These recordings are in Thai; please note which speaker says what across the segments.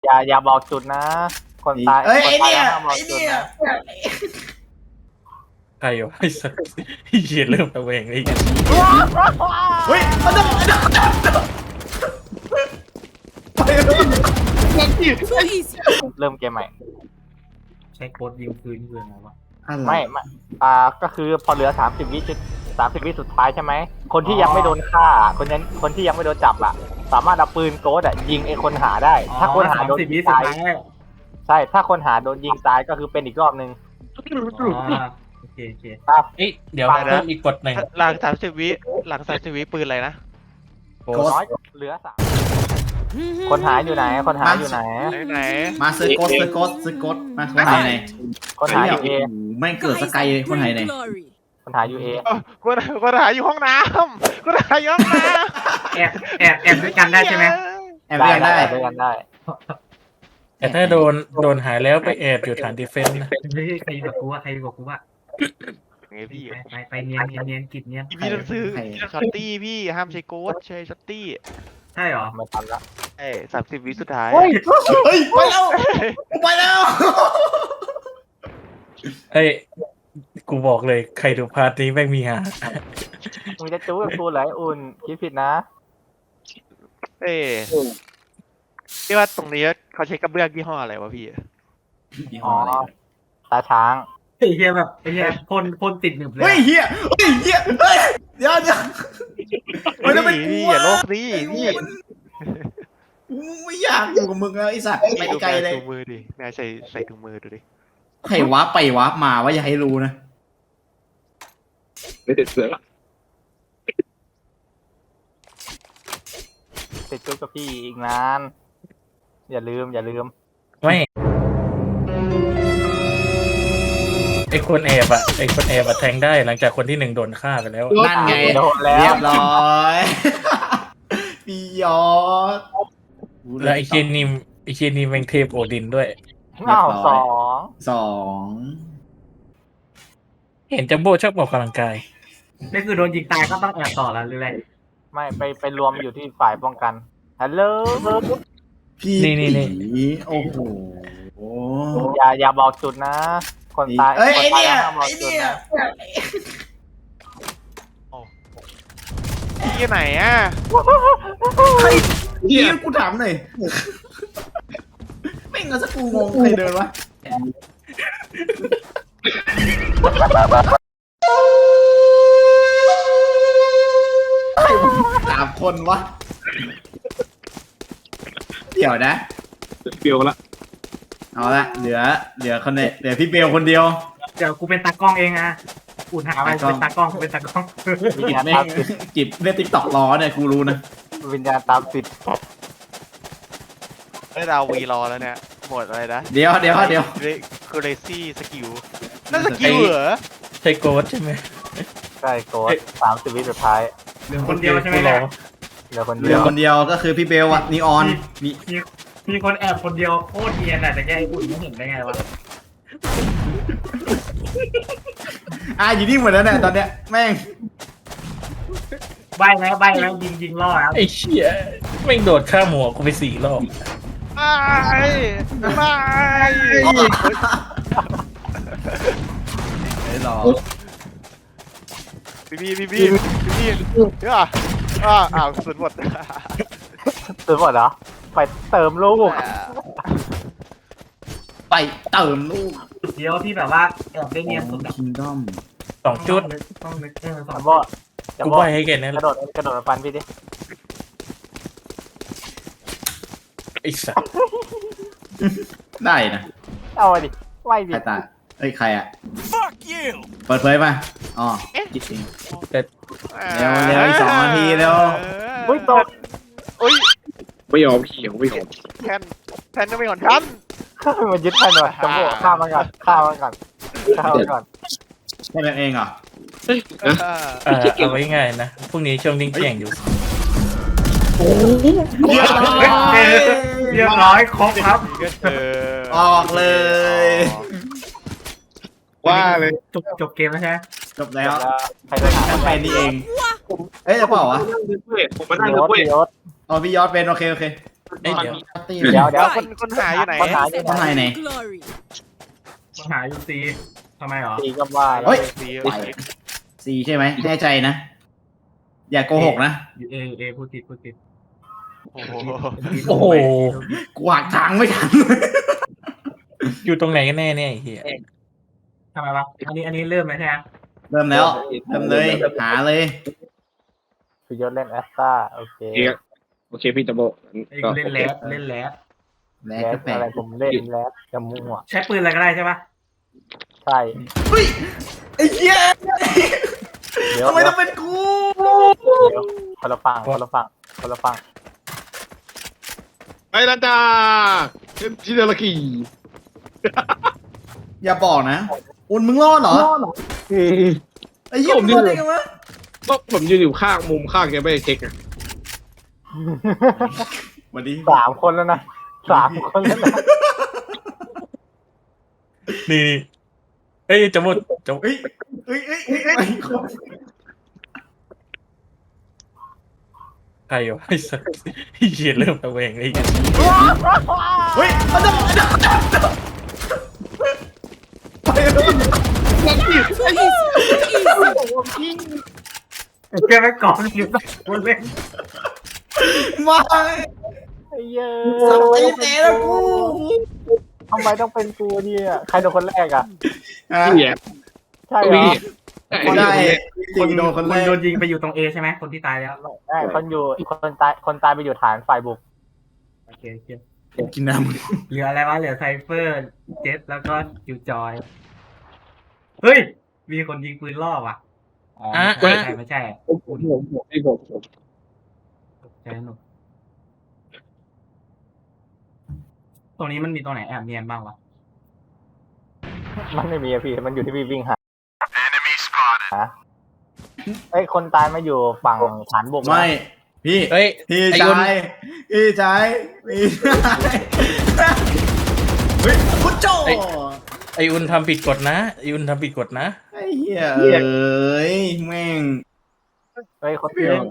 Speaker 1: อย่าบอกจุดนะ คนตาย
Speaker 2: เอ้ย
Speaker 1: ค
Speaker 2: ไอ้
Speaker 1: ตาย
Speaker 2: เนี่ย
Speaker 1: ห้ามบอก
Speaker 2: ไอ้
Speaker 1: จุด
Speaker 2: เนี่ย
Speaker 1: นะ
Speaker 3: ใครวะไอ้สัสไอ้เหี้ยเริ่มตะเวงเลย
Speaker 2: เฮ้ยเอาดับไปเลย
Speaker 4: Too easy.
Speaker 1: เริ่มเกมใหม่
Speaker 5: ใช้โค้ดยิงคืนนี่คืออะไรวะ
Speaker 1: ไม่ก็คือพอเหลือ30 วิสุดท้ายใช่ไหมคนที่ยังไม่โดนฆ่าคนที่ยังไม่โดนจับอ่ะสามารถเอาปืนโกดยิงไอ้คนหาได้ ถ้าคนหาโดน
Speaker 5: 30 วิ
Speaker 1: ยิง
Speaker 5: สุด
Speaker 1: ตาย
Speaker 5: ท้าย
Speaker 1: ใช่ถ้าคนหาโดนยิงตายก็คือเป็นอีกรอบนึง
Speaker 5: โอเค
Speaker 3: เอ้ยเดี๋ยวเพิ่มอีกกฎหนึ่ง
Speaker 6: หลัง30 วิปืนอะไรนะ
Speaker 3: โค้
Speaker 1: น้อยเหลือ3คนหาอยู่ไหนคนหาอยู่ไหน
Speaker 6: ไหน
Speaker 2: มาซื้อโกสมาคนไหนไหน
Speaker 1: คนหาอยู่เอ
Speaker 2: ไม่เกิดสกายคนไหนไหน
Speaker 4: Glory.
Speaker 1: คนหาอยู่เอ
Speaker 6: คนหาอยู่ห้องน้ำคนหาอยู่ห้องน้ำ
Speaker 5: แอบด้วยกันได้ใช่ไหม
Speaker 2: แอบเรียนได้
Speaker 1: ด้วยกันได้
Speaker 3: แต่ถ้าโดนหายแล้วไปแอบอยู่ฐานดีเฟนส์นะ
Speaker 5: ใครบอกกูว่า
Speaker 6: ไงพี่
Speaker 5: ไปเนียนกิจเนียน
Speaker 6: พี่ต้องซื้อช็อตตี้พี่ห้ามใช้โกดใช้ช็อตตี้
Speaker 5: ใช่เหรอ
Speaker 1: ไม่ทันละ
Speaker 6: 30 วิสุดท้าย
Speaker 2: เฮ้ยไปแล้วไปแล้ว
Speaker 3: เอ้ยกูบอกเลยใครดูพาร์ทนี้แม่งมีหา
Speaker 1: มึงจะจู้กับกูเหรอไอ้อุ่นคิดผิดนะ
Speaker 6: พี่ว่าตรงนี้เขาใช้กระเบื้องยี่ห้ออะไรวะพี่
Speaker 1: อ๋อตาช้าง
Speaker 5: ไอ้เหี้ยแบบไอ้เหี้ยพ่นติดหนึบเลย
Speaker 2: เฮ้ยเฮียเฮ้ยเดี๋ยวมันจะเป็นกู
Speaker 6: พี่อย่าโลกนี่พี่
Speaker 2: ไม่อยากอยู่กับมึงแล้วไอ้สัตว์ไปไกลเลย
Speaker 6: ถุงมือดินายใส่ถุงมือดูดิ
Speaker 2: ใครวาร์ปไปวาร์ปมาว่าอย่าให้รู้นะ
Speaker 1: ติดจู้กับพี่อีกนาน อย่าลืม
Speaker 3: ไม่ไอคนแอบอะแทงได้หลังจากคนที่1โดนฆ่าไปแล้ว
Speaker 2: นั่นไง
Speaker 1: โดนแล้ว
Speaker 2: เรียบร้อยพี่ยอด
Speaker 3: แล้วไอเคียนี่แม่งเทพโอดินด้วย
Speaker 1: อ้าว2
Speaker 3: เห็นจัมโบ้ชอบออกกำลังกาย
Speaker 5: นี่คือโดนยิงตายก็ต้องแอบต่อแล้วหรืออะไร
Speaker 1: ไม่ไปรวมอยู่ที่ฝ่ายป้องกันฮัลโหล
Speaker 2: พี่
Speaker 3: นี่
Speaker 2: โอ้โห
Speaker 1: อย่าบอกจุดนะ คนตาย
Speaker 2: เอ้ยไอ้
Speaker 1: คนตาย
Speaker 2: เนี่ย
Speaker 1: ห้ามบอก
Speaker 2: ไอ้
Speaker 1: จุด
Speaker 2: เนี่ย
Speaker 1: นะ
Speaker 6: พี่ไหนอ่ะ
Speaker 2: ใครพี่กูถามหน่อยไม่งั้นสักกูงงใครเดินวะใคร3 คนวะเดี๋ยวนะ
Speaker 7: เปรียวละ
Speaker 2: เอาละเหลือคนเนี่ยเหลือพี่เบลคนเดียว
Speaker 5: เดี๋ยวกูเป็นตากล้องเองอะอุ่นหาไปเป็นตากล้อง
Speaker 1: วิญญาณ
Speaker 2: แม่
Speaker 1: ตาง มติด
Speaker 2: จิบเล่นติ๊กต็อกล้อเนี่ยกูรู้นะ
Speaker 1: วิญญาณตามติด
Speaker 6: ได้ดาววีรอแล้วเนี่ยหมดอะไรนะ
Speaker 2: เดี๋ยว
Speaker 6: คูเรซี่สกิลนั่นสกิลเหรอ
Speaker 3: ใช่โกดใช่ไหม
Speaker 1: ใช่โกด30 วิสุดท้าย
Speaker 5: เหลือคนเดียวใช่ไหม
Speaker 3: ร
Speaker 5: เนี่
Speaker 3: อย
Speaker 1: เหลือคน
Speaker 2: เห
Speaker 1: เดี
Speaker 2: ลื
Speaker 1: ย
Speaker 2: อ
Speaker 1: ว
Speaker 2: คนเดียวก็คือพี่เบลอะนีออนมี
Speaker 5: มีคนแอบคนเดียวโคตรเนียนอะแต่แกไอ้อุ่นไม่เห็นได้ไงวะ
Speaker 2: อยู่นี่หมดแล้วเนี่ยตอนเนี้ยแม่ง
Speaker 5: ใบแล้วยิงล่อครับ
Speaker 3: ไอ้เชี่ยแม่งโดดข้ามหัวกูไป4 รอบ
Speaker 6: ไม่
Speaker 2: ไอ้หรอ
Speaker 6: พี่เดี๋ยวอ้าวสุดหมด
Speaker 1: ตื่นหมดเหรอไปเติมลูก
Speaker 2: ไปเติมลูก
Speaker 5: เดียวที่แบบว่าแอบได้เนียนสุดอะ
Speaker 2: คิงดอม
Speaker 3: 2 จุด
Speaker 5: ต้องนึกส
Speaker 1: จั
Speaker 5: อง
Speaker 1: มโบ้จัม
Speaker 3: กู
Speaker 1: โบ้
Speaker 3: ใบให้แกนั่น
Speaker 1: ก
Speaker 3: แห
Speaker 1: ระ
Speaker 3: ละ
Speaker 1: โดดมาฟันพี่ดิ
Speaker 3: ไอ้สัส
Speaker 2: ได้นะ
Speaker 1: เอาไปดิไหวดิ
Speaker 2: ใครตายเอ้ยใครอะเปิดเผยมาอ๋อจิตเอง เร็วอีก2 นาทีเร็ว
Speaker 1: อุ้ยตก
Speaker 6: อุ้ย
Speaker 7: ไม่ยอมเขียวไม่ยอม
Speaker 6: แทนก็ไม่ก่อนฉัน
Speaker 1: มันยึดแทนหน่อยจัมโบ้ฆ่ามันก่อน
Speaker 2: ใช่แบบเองเหรอ
Speaker 3: เอาไว้ง่ายนะพรุ่งนี้ช่วงดิ้งแข่งอยู่
Speaker 5: เรียบร้อยครบครับ
Speaker 2: ออกเลย
Speaker 7: ว่าเลย
Speaker 5: จบเกมแล้วใช่ไหม
Speaker 2: จบแล้ว
Speaker 1: ใครจะหา
Speaker 2: แคมเปญนี่เอง เอ้ยจะเปล่าวะ
Speaker 7: ผมมานั่งด้วย
Speaker 1: ยศ
Speaker 2: อ๋อพี่ยอดเป็นโอเค
Speaker 3: เอ้ยเดี๋ยว
Speaker 1: เดี๋ยว
Speaker 6: คนหาอยู่ไหน
Speaker 1: คนหาอยู่
Speaker 2: ข้างในไหน
Speaker 4: Glory.
Speaker 5: ปัญหาอยู่ซีทำไมหรอ
Speaker 1: ตีก็ว่าแล้ว
Speaker 2: เฮ้ย
Speaker 6: สี
Speaker 2: สี่ใช่ไหมแน่ใจนะ อย่าโกหกนะ
Speaker 5: เอพูดผิดพูดผิด
Speaker 6: โอ้โห
Speaker 3: โอ้โห
Speaker 2: กูหักทางไม่ทัน
Speaker 3: อยู่ตรงไหนกันแน่เนี่ยไอ้เหี้ย
Speaker 5: ทำไมวะอันนี้เริ่มไหมใช่ไหม
Speaker 2: เริ่มแล้ว เริ่มเลย หาเลย
Speaker 1: คือยศเล่นแอสตาโอเค
Speaker 7: โอเคพี่ตะโบ
Speaker 5: ไอ้กูเล่นแล้วเล่นแล้ว
Speaker 2: แล้
Speaker 1: แล
Speaker 2: ว
Speaker 1: ส
Speaker 2: ก็แปล
Speaker 1: อะไร
Speaker 2: ก
Speaker 1: ผมเล่นแลสจะมั่ว
Speaker 5: ใช้ปืนอะไรก็ได้ใช่ปะ
Speaker 1: ใช่
Speaker 2: ไอ้เหี้ย
Speaker 1: เดี๋ยว
Speaker 2: ทำไมต้องเป็นกู
Speaker 1: เดี๋ยวคนละฝั่งคนละฝั่งคนละฝั่ง
Speaker 7: ไปแล้วจ้าชิเดลกี
Speaker 2: อย่าบอกนะอุ่นมึงรอดเหรอ ไอ้เหี้ยมึงรอดได้ไงวะ
Speaker 7: ก็ผมยืนอยู่ข้างมุมข้างแกไม่ได้เช็คอะ
Speaker 2: วันนี้
Speaker 1: 3 คนแล้วนะ3 คนแล้วนะ
Speaker 3: นี่เอ้ยจะหมดจะ
Speaker 2: เฮ้ยเฮ้ยเฮ้ยเฮ้ยเฮ้ย
Speaker 3: ใครวะไอ้สัสไอ้เหี้ยเริ่มระแวงไอ้เหี้ย
Speaker 2: เฮ้ยเอาเดี๋ยวไปเลย
Speaker 4: Too easy.
Speaker 5: แกไม่ก่อนอยู่กูเล่น
Speaker 2: มา
Speaker 1: ไอ้เหี้ย
Speaker 2: สับตีเตะแล้วกู
Speaker 1: ทำไมต้องเป็นกูเนี่ยใครโดนคนแรกอ่ะ
Speaker 7: พี่แย่
Speaker 1: ใช่เหรอ
Speaker 7: พี่
Speaker 2: คนได้ตีโดนคนแรก
Speaker 5: โดนยิงไปอยู่ตรงเอใช่ไหมคนที่ตายแล้ว
Speaker 1: ใช่คนตายไปอยู่ฐานฝ่ายบุก
Speaker 5: โอเค
Speaker 2: กินน้
Speaker 5: เหลืออะไรวะเหลือไซเฟอร์เจสแล้วก็คิวจอยเฮ้ยมีคนยิงปืนล่อว่ะอ๋อไม่ใช่
Speaker 7: ผม
Speaker 5: ใช่หนุกตรงนี้มันมีตรงไหนแอบเนียนบ้างวะ
Speaker 1: มันไม่มีอะพี่มันอยู่ที่พี่วิ่งหาไอ้ยคนตายมาอยู่ฝั่งฐานบุก
Speaker 2: ำ
Speaker 1: นะ
Speaker 2: ไม่พี่
Speaker 3: เฮ้ย
Speaker 2: พี่
Speaker 3: ไอ้
Speaker 2: ชา
Speaker 3: อุ่น
Speaker 2: ยพี่ชายพี่ชายเฮ้ยคุณโจ
Speaker 3: ไอ้อุ่นทำผิดกฎนะไอ้อุ่นทำผิดกฎนะ
Speaker 2: ไอ้เหี้ยเอ้ยแม่ง
Speaker 1: ไอ้ยคน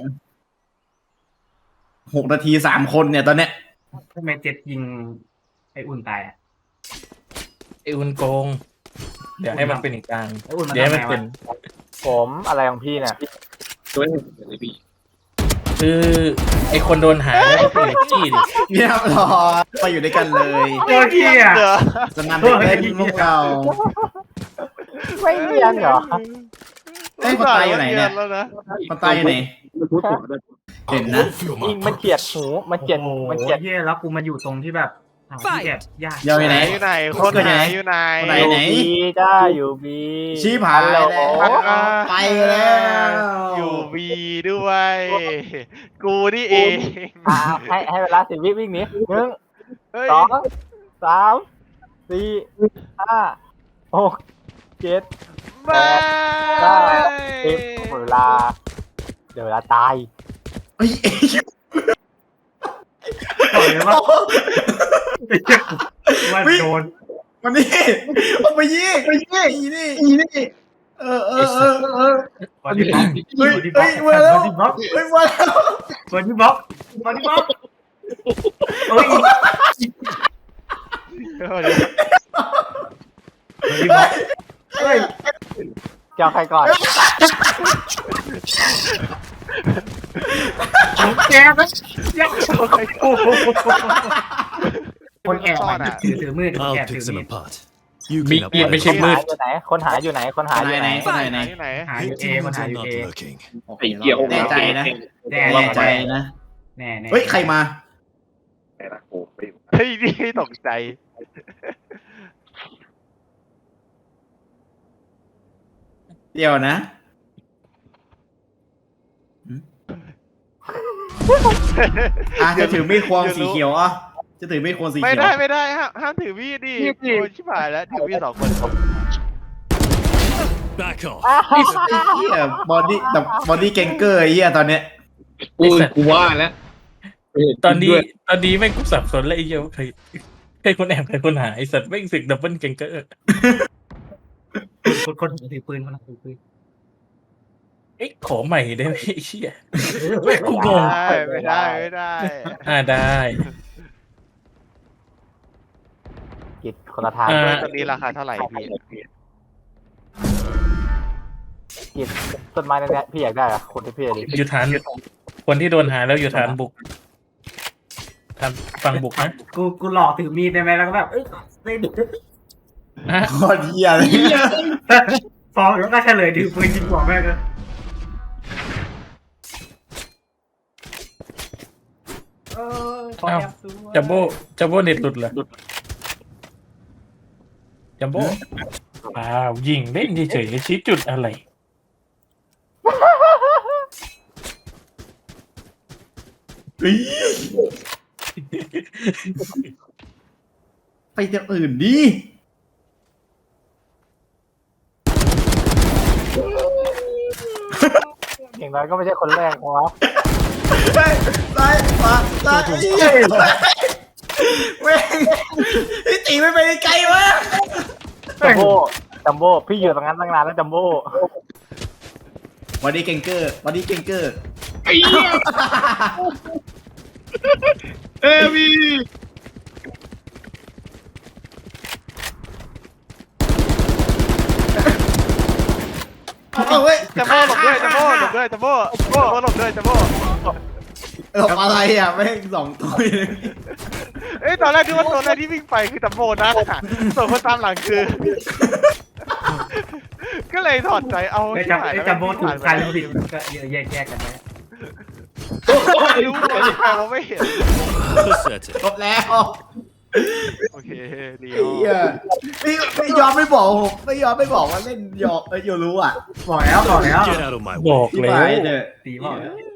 Speaker 2: 6 นาที 3 คนเนี่ยตอนเนี้ย
Speaker 5: ทำไมเจ็ดยิงไอ้อุ่นตายอ่ะ
Speaker 3: ไอ้อุ่นโกง เดี๋ยวให้มันเป็นอีกทาง
Speaker 5: ไอ้อุ่นมัน
Speaker 3: เดี๋ยวให้
Speaker 5: ทำ
Speaker 3: มัน
Speaker 5: ไง
Speaker 3: เป็
Speaker 5: วะ
Speaker 3: น
Speaker 1: ผมอะไรของพี่เนี่ย
Speaker 7: ตัวนี้เลยพี่
Speaker 3: คือไอ้คนโดนหาแล้วก็เป็นจี้ดิ
Speaker 2: เรียบร้อยไปอยู่ด้วยกันเลย
Speaker 5: โคตรเหี้ย
Speaker 6: เหรอ
Speaker 2: สนามเด็กเล่นพวกเรา
Speaker 1: ไม่เนียนเหรอ
Speaker 2: เอ้ยคนตายอยู่ไหนเนี่ย
Speaker 6: แล้วนะ
Speaker 2: คนตายอยู่ไหน
Speaker 7: มันพูดต่อได้
Speaker 2: เห็นนะ
Speaker 1: ยิงมันเฉียดหูมันเฉียด
Speaker 5: โอ้โห
Speaker 1: มันเฉียด
Speaker 5: เหี้ยแล้วกูมาอยู่ตรงที่แบบที่แอบยาก
Speaker 2: ยาวไปไหน
Speaker 6: อยู่ไหนคนหาอยู่ไหน
Speaker 2: ไหน
Speaker 1: บีจ้าอยู่บี
Speaker 2: ชี้ผายแล้ว ไปแล้ว
Speaker 6: อยู่บีด้วย กูนี่เอง
Speaker 1: ให้เวลา10 วิวิ่งหนี1
Speaker 6: เฮ้ย
Speaker 1: 2 3 4 5 6 7
Speaker 6: ไม่
Speaker 1: 10เวลาเดี๋ยวเวลาตาย
Speaker 2: เฮ้ย
Speaker 5: บอกเลยว่าว่าโดน
Speaker 2: มันนี่เอาไปยิงนี่เออ
Speaker 5: บอดี้บล็อก
Speaker 2: เฮ้ย
Speaker 5: บอดี้บล็อก
Speaker 2: เฮ้ยมาแล้ว
Speaker 5: บอดี้บล็อกบอดี้บล็อกเฮ้ยบอดี้บล็อกเฮ้ย
Speaker 1: เจ้าใครก่อน
Speaker 5: แกก็ยังโอ้โหคนแอบมาถือมือ
Speaker 8: I'll
Speaker 5: แอบถื
Speaker 8: pick
Speaker 5: อ
Speaker 8: them
Speaker 5: มีด
Speaker 8: apart.
Speaker 3: มี
Speaker 8: You
Speaker 3: ด
Speaker 8: clean up
Speaker 3: ไม่
Speaker 8: my
Speaker 3: ใช่มืด
Speaker 1: คนหาอยู่ไหนคนหาอยู่ไหน
Speaker 2: คนไหน
Speaker 6: ที่ไหน
Speaker 5: หาอยู่เอคน
Speaker 8: Victims
Speaker 5: หา
Speaker 8: are
Speaker 5: อยู่
Speaker 8: not
Speaker 5: เอ
Speaker 8: looking.
Speaker 7: ไอ้เกี่ยว
Speaker 2: แน่ใจนะ
Speaker 5: แน่
Speaker 2: แน่ใจนะ
Speaker 5: แน่แน่
Speaker 2: เฮ้ยใครมา
Speaker 7: ไอ้ละโอ้ไปอยู่
Speaker 6: เฮ้ยนี่ตกใจ
Speaker 2: เดี๋ยวนะจะถือมีดควงสีเขียวอ่ะจะถือมีดควงสี
Speaker 6: ไม่
Speaker 2: เขียว
Speaker 6: ได้ไม่ได้ห้ามถือมีดดิโอ้ยชิบหายแล้วถือมีด2 คน
Speaker 8: Back off.
Speaker 2: ไอ้เหี้ยบอดี้เกงเกอร์ไอ้เหี้ยตอนเนี้ย
Speaker 7: กูว่าแล้ว
Speaker 3: ตอนนี้แม่งกูสับสนแล้วไอ้เหี้ยว่าใครคนแอบใครคนหาไอ้สัตว์แม่งสึกดับเบิลเกงเกอร์
Speaker 5: คนถือปืนคนถือปืน
Speaker 3: เอ๊ะขอใหม่ได้ไหมไอ้เหี้ย
Speaker 6: ไม่ได้ไม่ได้
Speaker 3: ได้
Speaker 1: กิจคนละทาง
Speaker 3: อ่า
Speaker 6: เลยตัวนี้ราคาเท่าไหร่พี่
Speaker 1: กิจต้นไม้นั่นแหละพี่อยากได้เหรอะคนที่พี่อยากได้
Speaker 3: อยู่ฐานคนที่โดนหาแล้วอยู่ฐานบุกฐานฝั่งบุกนะ
Speaker 5: กูหลอกถือมีดได้ไหมแล้วก็แบบเล่น
Speaker 3: ฮะ
Speaker 2: โคตรเหี้ยเลย
Speaker 5: ฟองแล้วก็เฉลยถือปืนยิงหัวแม่งเลย
Speaker 3: อ้าวจัมโบ้เน็ตหลุดเหรอจัมโบ้อ้าวยิงเล่นเฉยๆชี้จุดอะไร
Speaker 2: เฮ้ยไปจะอื่นดิ
Speaker 1: อย่างน้อยก็ไม่ใช่คนแรกวะ
Speaker 2: ซ้ายขวาซ้ายแม่งพี่ตีไม่ไปไกลวะ
Speaker 1: จัมโบ้พี่อยู่ตรงนั้นตั้งนานแล้วจัมโบ้
Speaker 2: วันนี้เก่งเกอร์วันนี้เก่งเกอร์
Speaker 7: ไอ้เหี้ยเอ้มี
Speaker 2: เอาเว้ย
Speaker 6: จัมโบ้หลบด้วยจัมโบ้หลบด้วยจัมโบ้หลบด้วยจัมโบ้
Speaker 2: หลบอะไรอ่ะแม่งสองตัวเลย
Speaker 6: เอ้ยตอนแรกคิดว่าตัวแรกที่วิ่งไปคือจัมโบ้นะส่วนคนตามหลังคือ ก็เลยถอดใจเอา
Speaker 5: ไอ้จัมโบ้ถูกใครรู้ผิดก็แยกกันไป
Speaker 6: ไม่รู้แต่เราไม่เห็น
Speaker 2: จบแล้ว
Speaker 6: โอเคดี
Speaker 2: ไอ้เหี้ยไม่ยอมไม่บอกผมไม่ยอมไม่บอกว่าเล่นยอมโยรู้อ่ะ
Speaker 5: บอกแล้ว
Speaker 3: บอก
Speaker 2: ที่
Speaker 3: แล้
Speaker 2: ไป
Speaker 3: ว
Speaker 2: เถอะ
Speaker 5: ตีบอกแล้ว